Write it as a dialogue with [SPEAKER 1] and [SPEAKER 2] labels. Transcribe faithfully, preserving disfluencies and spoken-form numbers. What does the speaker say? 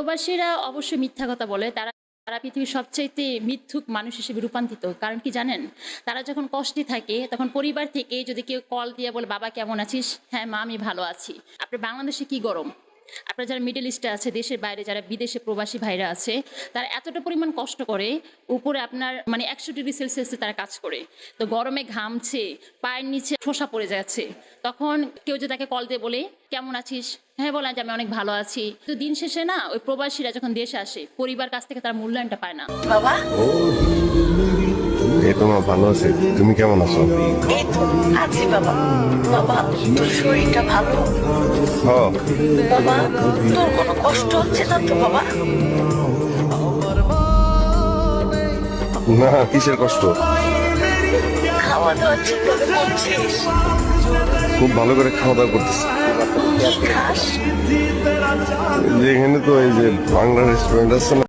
[SPEAKER 1] প্রবাসীরা অবশ্যই মিথ্যা কথা বলে। তারা তারা পৃথিবীর সবচাইতে মিথ্যুক মানুষ হিসেবে রূপান্তরিত। কারণ কি জানেন? তারা যখন কষ্টে থাকে তখন পরিবার থেকে যদি কেউ কল দিয়ে বলে, "বাবা কেমন আছিস?" "হ্যাঁ মা, আমি ভালো আছি।" আপনার বাংলাদেশে কি গরম? আপনারা যারা মিডল ইস্টে আছে, দেশের বাইরে যারা বিদেশে প্রবাসী ভাইরা আছে, তারা এতটা পরিমাণ কষ্ট করে, উপরে আপনার মানে একশো ডিগ্রি সেলসিয়াসে তারা কাজ করে। তো গরমে ঘামছে, পায়ের নিচে ঠোসা পড়ে যাচ্ছে। তখন কেউ যদি তাকে কল দিয়ে বলে, "কেমন আছিস?" হ্যাঁ, বলেন যে আমি অনেক ভালো আছি। তো দিন শেষে না ওই প্রবাসীরা যখন দেশে আসে, পরিবার কাছ থেকে তার মূল্যায়নটা পায় না।
[SPEAKER 2] বাবা,
[SPEAKER 3] এই তো মা, ভালো আছি। তুমি কেমন আছো?
[SPEAKER 2] এই তো আছি বাবা। বাবা, তোর শরীরটা ভালো?
[SPEAKER 3] হ,
[SPEAKER 2] বাবা, তোর কোনো কষ্ট হচ্ছে না তো বাবা?
[SPEAKER 3] না, কিসের কষ্ট?
[SPEAKER 2] খাওয়া দাওয়া ঠিকভাবে করছিস?
[SPEAKER 3] খুব ভালো করে খাওয়া দাওয়া করতেছি।
[SPEAKER 2] কি খাস?
[SPEAKER 3] যেখানে তো এই যে বাংলা রেস্টুরেন্ট আছে না,